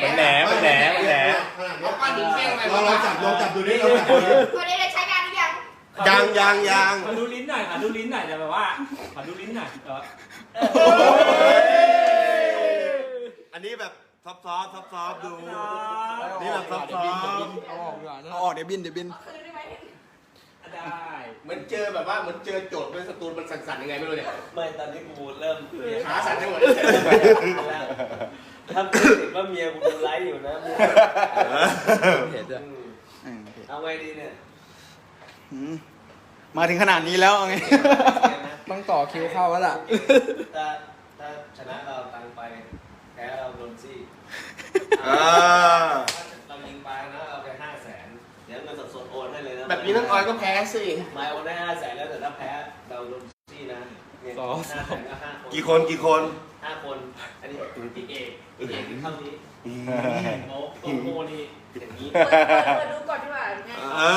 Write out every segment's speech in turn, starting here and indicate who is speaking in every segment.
Speaker 1: มันแหน
Speaker 2: เอาก้อนหินเปี้ยงไป
Speaker 3: เราจับดูนี่เราจับดูนี่
Speaker 4: วันนี้ได้ใช้งานหรือยัง
Speaker 3: ยัง
Speaker 1: ขอดูลิ้นหน่อยแต่แบบว่าขอดูลิ้นหน่อย
Speaker 3: อันนี้แบบซอฟดูนี่แบบซอฟ
Speaker 5: เอาออกเดี๋ยวบิน
Speaker 4: คืนได้ไหม
Speaker 1: ได้
Speaker 2: เหมือนเจอแบบว่าเหมือนเจอโจทย์เป็นสตูนมันสั่นๆยังไงไม่รู้เนี่ย
Speaker 6: ไม่ตอนนี้กูเริ่ม
Speaker 2: ขาสั่นทั้งหมด
Speaker 6: ถ้าพูดถึงว่าเมียกูดูไลฟ์อยู่นะ
Speaker 5: เห็นจ้ะ
Speaker 6: เอาไงดีเนี่ย
Speaker 5: มาถึงขนาดนี้แล้วไงต้องต่อคิวเข้าแล้วล่ะ
Speaker 6: ถ้าชนะเราตังไปแพ้เราโดนซี่เรายิงไปนะเอาไป500,000เดี๋ยวเงินสดๆโอนให้เลยนะ
Speaker 2: แบบนี้น้องออยก็แพ้สิ
Speaker 6: ไม่โอนได้500,000แล้วแต่ถ้าแพ้เราโดนซี่นะ500,000ก็5 คน
Speaker 3: กี่คน
Speaker 6: 5 คนอันนี้เอกเท่านี้โอ้โหนี่อย่างนี้
Speaker 4: เปิดดูก่อนดีกว่าไง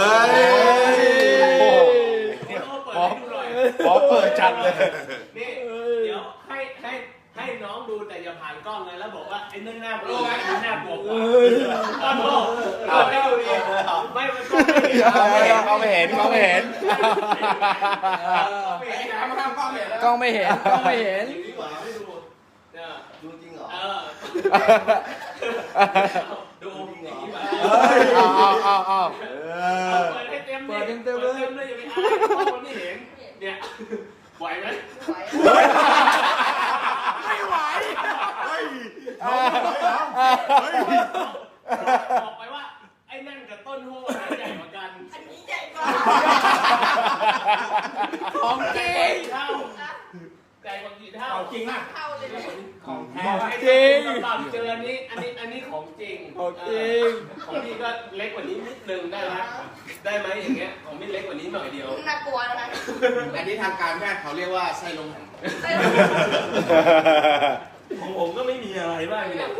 Speaker 1: พอเปิดจัดเลย
Speaker 6: นี่เดี๋ยวให้น้องดูแต่อย่าผ่านกล้องเลยแล้วบอกว่าไอ้นั่นหน้าโปรไอ้นี่หน้าบวกกว่าต้นโลกไม่ดูดิไม่มันก็ไม่เห็น
Speaker 1: เขาไม่เห็น
Speaker 5: กล้องไม่เห็น
Speaker 6: อย่างนี้กว่าไม่ดูเนี่ยดูจริงเหรอดูอย่างนี้มา
Speaker 5: เอา
Speaker 6: เปิดให้เต็มเลยอย่าไปอายเพราะคนไม่เห็นเนี่ยไหวไหมบอกไปว่าไอ้นั่นกับต้นโหใหญ่กว่ากัน
Speaker 4: อันนี้ใหญ่กว่า
Speaker 6: ของจริงเท่าใหญ่กว่ากี่เท่า
Speaker 1: จริงอ่ะ
Speaker 4: เข้าเลยเนี่ย
Speaker 1: ของแท้
Speaker 6: จริงต่ำเจออันนี้ของจริง
Speaker 5: ของจริง
Speaker 6: ของพี่ก็เล็กกว่านี้นิดนึงได้ไหมได้ไหมอย่างเงี้ยของพี่เล็กกว่านี้หน่อยเดียว
Speaker 4: น่ากลัวนะ
Speaker 2: อันนี้ทางการแพทย์เขาเรียกว่าไส้ลม
Speaker 6: ของผมก็ไม่มีอะไรบ้างเนี่ย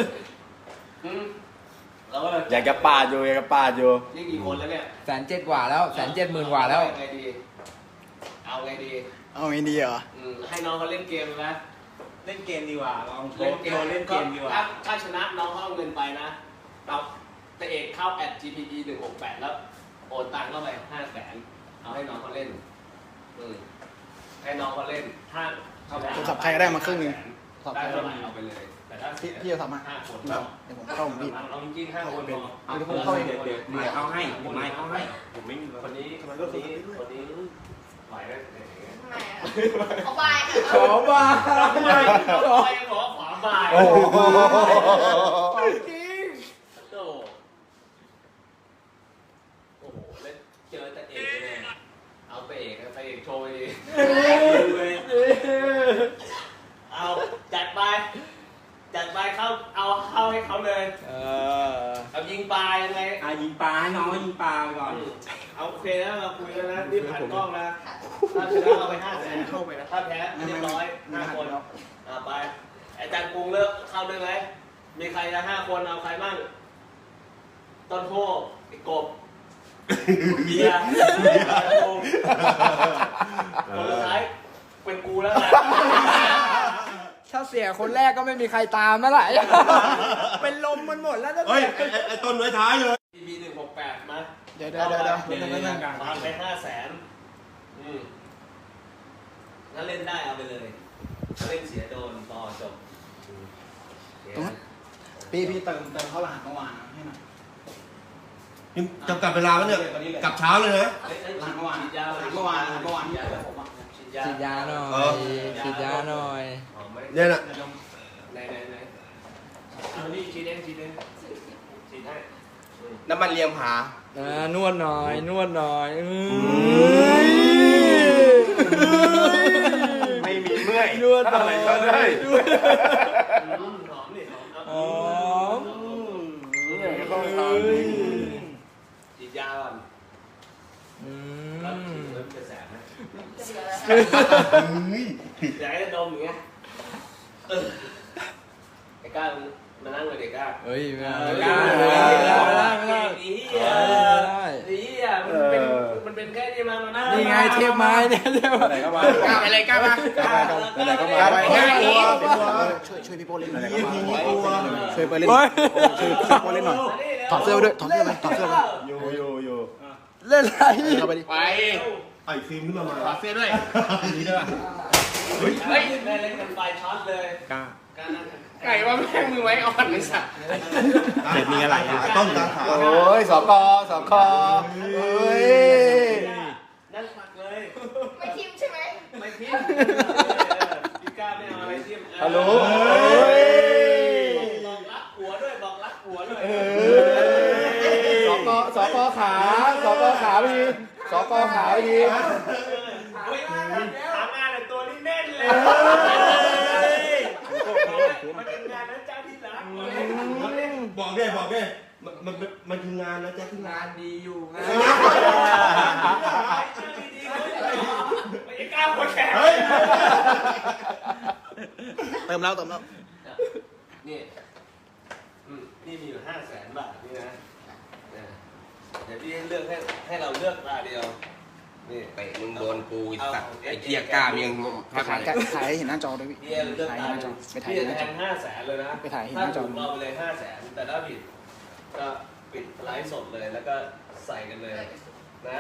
Speaker 6: แล้วก็
Speaker 5: อยากจะปาดอยู่
Speaker 6: นี่กี่คนแล้วเนี่ย
Speaker 5: 170,000 กว่าแล้ว170,000 กว่าแล้ว
Speaker 6: ไงดีเอาไงดี
Speaker 5: เอาไงดีเหรอ
Speaker 6: ให้น้องเขาเล่นเกมนะ
Speaker 1: เล่นเกมดีกว่าลองโช
Speaker 6: เล่น
Speaker 1: ว์
Speaker 6: เกม
Speaker 1: เล่นเกมดีกว่า
Speaker 6: ถ้าชนะน้องเขาเอาเงินไปนะเราแต่เอกเข้า @gpe 168แล้วโอนตังค์เข้าไป500,000เอาให้น้องเขาเล่นให้น้องเขาเล่นถ้าเขา
Speaker 5: ผมขับใครก็ได้มาครึ่งหนึ่ง
Speaker 6: ได้เท่าไหร่เอาไปเลยแต่ถ้า
Speaker 5: พี่จะทำมา
Speaker 6: 5 คน
Speaker 5: เดี๋ยวผมเข้าผมพี่
Speaker 6: เอาจริงๆ5 คนพอ
Speaker 5: เอาเดี๋ยวผมเข้าเอง
Speaker 1: เดี๋ยวเอาให้ผมไม่มี
Speaker 6: คนนี้ไหวไหม
Speaker 4: ทำไมอ่ะขอบายค่ะ
Speaker 5: ขอบา
Speaker 6: ไปขอขวาบ่าย
Speaker 5: โอ้โห
Speaker 6: จริงโอ้โหแล้วเจอแต่เอกเลยเอาไปเอกโชว์ดิเอาจัดเข้าเอาเข้าให้เขาเลยเอายิงปลายังไง
Speaker 1: ยิงปลาให้น้องยิงปลาไปก่อน
Speaker 6: เอาโอเคนะเราคุยแล้วนะรีบผ่านกล้องนะถ้าชนะเอาไป500,000เข้าไปนะถ้าแพ้เรียบร้อย5 คนไปอาจารย์กรุงเลิกเข้าด้วยไหมมีใครจะ5 คนเอาใครบ้างต้นโพไอ้กบเบียร์คนสุดท้ายเป็นกูแล้วนะ
Speaker 5: ถ้าเสียคนแรกก็ไม่มีใครตามแล้วล่ะเป็นลมมันหมดแล้วนะ
Speaker 3: เฮ้ยไอ้ต้นไว้ท้ายเลย
Speaker 6: ที168มา
Speaker 5: เดี๋ยว
Speaker 6: ฟังไป500,000ถ้าเล่นได้เอาไปเลยถ้าเล่นเสียโดนต่อจบ
Speaker 5: พี่เติมเข้ารหัสเมื่อวานให้หน่อย
Speaker 3: จำกัดเวลาแล้วเนี่ยกลับเช้าเลยนะ
Speaker 5: หลังเมื่อวานที่ผมฉีดยาหน่อย
Speaker 3: เนี่ยน่ะ
Speaker 6: ไหนเอานี่ฉีดเองฉีดให้
Speaker 2: น้ำมันเลียงผาน
Speaker 5: วดหน่อย
Speaker 1: ไม่มีเมื่อย
Speaker 5: นวดหน่อย
Speaker 6: หอมนี่หอมฉีดยาก่อนแล้วฉีดแล้วจะแสบไหมอยากให้ดมอย่างเงี้ยไอ้ก้ามานั่งเลยเด็กก้า
Speaker 5: เฮ้ยไม่ได้
Speaker 6: ไม่ได้
Speaker 5: ไม่ได้
Speaker 6: ดีอ่ะมันเป็นแค่นี้มานะ
Speaker 5: นี่ไงเทพไม้เนี่ยเทพไม้
Speaker 1: ไหนก็มา
Speaker 2: ก้าวไปเลยก้าวมา
Speaker 1: ไหนก็มา
Speaker 2: ไปง่ายอีก
Speaker 5: ช่วยพี่โป้เล่นหน่อย
Speaker 3: ช่วย
Speaker 5: ช่วยไปเล่นช่วยพี่โป้เล่นหน่อยถอดเสื้อด้วยถอดเสื้อเลยถอดเสื้อเลย
Speaker 3: อยู่
Speaker 5: เล่นอะไรเราไปดิ
Speaker 2: ไป
Speaker 3: ไอ้ฟิล์มขึ้นมา
Speaker 2: ขอเสื้อด้วย
Speaker 3: นี่ด้วย
Speaker 6: เฮ้ยแม่เล่นกันไฟช็อตเลย
Speaker 1: กล้า
Speaker 2: ไก่ว่าแม่งมือไว้อ่อนไอ้สัตว์
Speaker 1: เด็ดมีอะไรอ่ะ
Speaker 3: ต้นตาขา
Speaker 5: โอ้ยสกเฮ้ย
Speaker 6: นั่นหมักเลย
Speaker 4: ไม่ทิมใช่ไหม
Speaker 6: ไม่พิมพี่ก้าไม่เอาอะไรทิม
Speaker 5: ฮัลโหล
Speaker 6: บอกรักหัวด้วยบอกรักหัวด้วย
Speaker 5: สกขาพี่สกขาพี่
Speaker 6: เฮ้ยหางานแต่ตัวนี้แน่นเลยมันเป็นงานนะเจ้าที่รัก
Speaker 3: บอกได้มันคืองานนะแจ๊คที่งาน
Speaker 5: งานดีอยู่งาน
Speaker 6: ไม่กล้าคนแข็ง
Speaker 5: เติมแล้ว
Speaker 6: นี่นี่มีอยู่500,000 บาทนี่นะเดี๋ยวพี่เลือกให้เราเลือกตาเดียวนี่
Speaker 2: เตะมึงโดนกูไอ้สัตว์ไอ้เกียร์กล้ามยังแทบ
Speaker 5: ถ่าย
Speaker 2: ไม่ได้
Speaker 5: ถ่ายให้เห็นหน้าจอด้วยพี่
Speaker 6: พี่เลือกตาเดียวพี่แทง500,000เลยนะ
Speaker 5: ไปถ่ายเห็นห
Speaker 6: ถ้า
Speaker 5: น้าจอ
Speaker 6: ถูกเราไปเลย500,000แต่ถ้าผิดก็ปิดไลฟ์สดเลยแล้วก็ใส่กันเลยนะ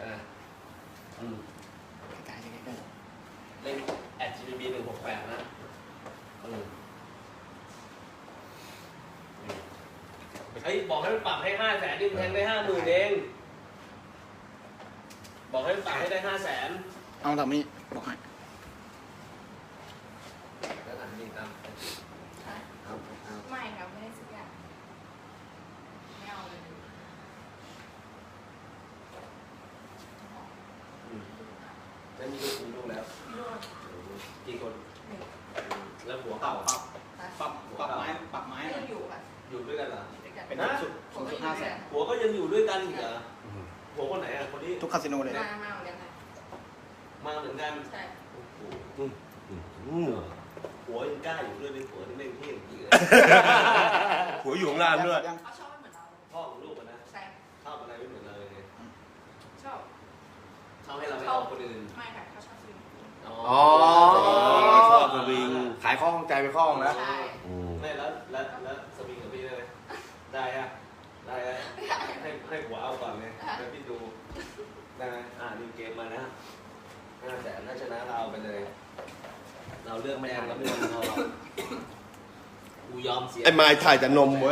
Speaker 6: เล่น@GBB 168นะเฮ้ยบอกให้มันปรับให้500,000นี่มันแทงได้50,000เองบอกให้มันปรับให้ได้500,000
Speaker 5: เอาแบบนี้บอกให้
Speaker 6: แล้วอันนี้ตาม
Speaker 4: ไม่ครับไม่ได้สักอย่างไม่เอาเลย
Speaker 6: ไม่มีลูกแล้ว
Speaker 4: พี่โรจน์
Speaker 6: กี่คนแล้วหัวเก่า
Speaker 1: ปรับไม้
Speaker 4: ไม่อยู่อ่ะ
Speaker 6: อยู่ด้วยกันเหรอ
Speaker 4: ด้วยกัน
Speaker 1: เป็น
Speaker 6: นะ
Speaker 4: ผมก็อยู่ด้วยกัน
Speaker 6: หัวก็ยังอยู่ด้วยกันอีกเหรอหัวคนไหนอ่ะคนนี้
Speaker 5: ทุกคาสิโนเลย
Speaker 4: มาเหมือนกันนะ
Speaker 6: มาเหมือนกัน
Speaker 4: ใช่
Speaker 6: โอ้โหหัวยังกล้าอยู่ด้วยเป็นหัวที่แม่งเท่จริงเลย
Speaker 3: หัวอยู่ข้างล่างด้วย
Speaker 4: เขาชอบไม่เหมือนเรา
Speaker 6: พ่อของลูกอะนะ
Speaker 4: ใช่
Speaker 6: ชอบอะไรไม่เหมือนเราเลย
Speaker 4: ชอบ
Speaker 6: ชอบให้เราไม่เอาคนอื่น
Speaker 4: ไม่ค่ะเขาชอบซื้อ
Speaker 2: อ๋อ
Speaker 3: ชอบสวิง
Speaker 2: ขายข้อข้องใจไปข้อข้องแล้ว
Speaker 4: ใช่
Speaker 6: ไม่แล้วสวิงกับพี่ได้ไหมได้อะได้อะให้หัวเอาก่อนเลยแล้วพี่ดูได้ไหมนี่เกมมานะ500,000ถ้าชนะเราเอาไปเลย เราเลือกแดงเราไม่ยอมเรากูยอมเสีย
Speaker 3: ไอ้ไม้ถ่ายแต่นมเว้ย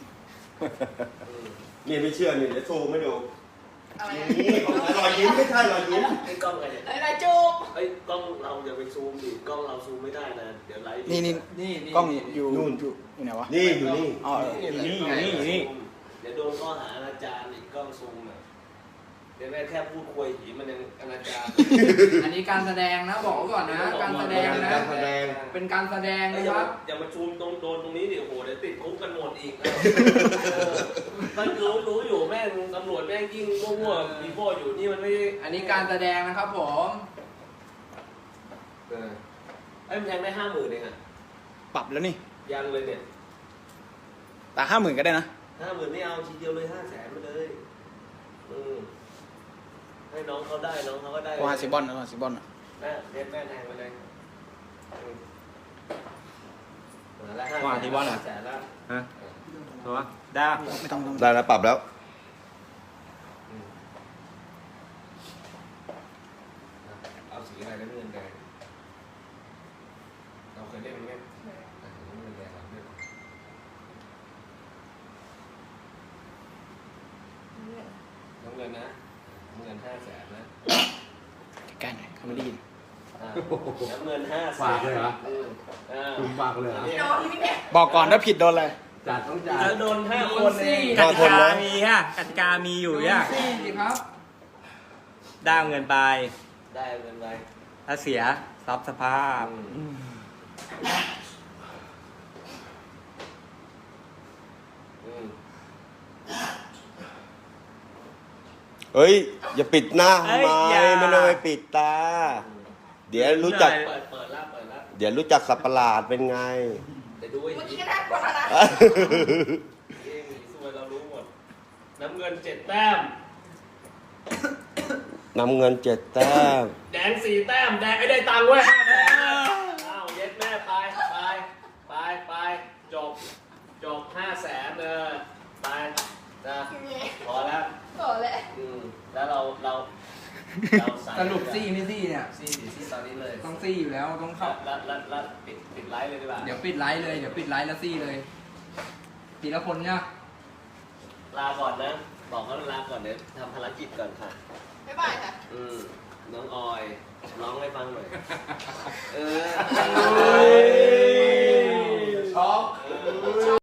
Speaker 3: นี่ไม่เชื่อนี่เดี๋ยวโชว์ไม่ดู
Speaker 4: อะไร
Speaker 3: นี่รอยยิ้มไม่ใช่รอยยิ้ม
Speaker 6: ไอ้กล้องใครเนี่ย
Speaker 4: อะไรจูบ
Speaker 6: ไอ้กล้องเราอย่าไปซูมดิกล้องเราซูมไม่ได้นะเดี๋ยวไลฟ์
Speaker 5: นี่กล้องอยู่อยู่ไหนวะ
Speaker 3: นี่อยู่นี่
Speaker 5: อ๋อ
Speaker 1: นี่
Speaker 6: เดี๋ยวโดนข้อหาอนาจารอีกกล้องซูมอ่ะเดี๋ยวแม่แค่พูดคุยหีมันยังอนาจาร
Speaker 5: อันนี้การแสดงนะบอกก่อนนะการแสดงนะ
Speaker 3: การแสดง
Speaker 5: เป็นการแสดงนะครับ
Speaker 6: อย่ามาซูมตรงโดนตรงนี้ดิโอ้โหเดี๋ยวติดคุกกันหมดอีกมันรู้อยู่แม่งตำรวจแม่งยิ่งมั่วๆมีพ่ออยู่นี่มันไม่
Speaker 5: อันนี้การแสดงนะครับผม
Speaker 6: ไอ้มันแทงได้50,000เองอ่ะ
Speaker 5: ปรับแล้วนี่
Speaker 6: ยังเลยเนี่ย
Speaker 5: แต่50,000ก็ได้นะ
Speaker 6: 50,000ไม่เอาทีเดียวเลย500,000มาเลยให้น้องเขาได้น้องเขาก็ได้
Speaker 5: ว่าซิบอนนะซิบอน
Speaker 6: แม่เด็ดแม่แทงไปเลยมาแล้ว
Speaker 1: ว่าที่บ้านเหรอ
Speaker 6: 500,000แล้ว
Speaker 1: ฮะตัวได้
Speaker 5: ไม่ต้อง
Speaker 3: ได้แล้วปรับแล้ว
Speaker 6: เอาสีอะไรแล้วเงินแดงเราเคยเล่นไหมเงินแดงเล่นน้ำเงินนะน้ำเงิน500,000นะ
Speaker 5: ใกล้หน่อยเขาไม่ได้ยิน
Speaker 6: น้ำเงิน500,000
Speaker 1: ฝากเลยเหรอ คุณฝากเลยเหรอ
Speaker 4: โดนนี่เนี่ย
Speaker 5: บอกก่อนถ้าผิดโดนอะไร
Speaker 1: จัดต้องจัด
Speaker 6: แล้วโดน5 คนเอง
Speaker 1: กติกามีฮะกติกามีอยู่ย่ะ
Speaker 5: สิครับ
Speaker 1: ได้เงินไป
Speaker 6: ได้เงินไป
Speaker 1: ถ้าเสียทรัพย์สภาพ
Speaker 3: เฮ้ย อย่าปิดหน้า
Speaker 1: เอ้
Speaker 3: ทำ
Speaker 1: ย
Speaker 3: ไม
Speaker 1: อย่า
Speaker 3: ไม่ต้องไปปิดตา เดี๋ยวรู้จัก
Speaker 6: เปิดแล้ว
Speaker 3: เดี๋ยวรู้จักสับประหลาดเป็นไง
Speaker 6: เดี๋ยวดูไอ้
Speaker 4: เมื่อ
Speaker 6: หี
Speaker 4: กี้ก็น่ากลัวแล้วนะ
Speaker 6: สวยเรารู้หมดน้ำเงิน7 แต้ม
Speaker 3: นำเงิน7 แต้ม
Speaker 6: แดง4 แต้มแดงไอ้ได้ตังค์เว้ย5 แสนอ้าวเย็ดแม่ไปจบ5 แสนไปนะพอแล้ว
Speaker 4: โอ้เลย
Speaker 6: แล้วเราใส่
Speaker 5: สรุปซี่ไม่ซี่เนี่ย
Speaker 6: ซี่ตอนนี้เลย
Speaker 5: ต้องซี่อยู่แล้วต้องเข้า
Speaker 6: แล้วปิดไลฟ์เลยดีกว่า
Speaker 5: เดี๋ยวปิดไลฟ์เลย เดี๋ยวปิดไลฟ์แล้วซี่เลยทีละคนเนี่ย
Speaker 6: ลาก่อนนะ บอกเขาลาก่อนเดี๋ยวทำภารกิจก่อนค่ะ
Speaker 4: บ๊ายบายค่ะ
Speaker 6: น้องออยร้องให้ฟังหน่อย
Speaker 2: ช็อก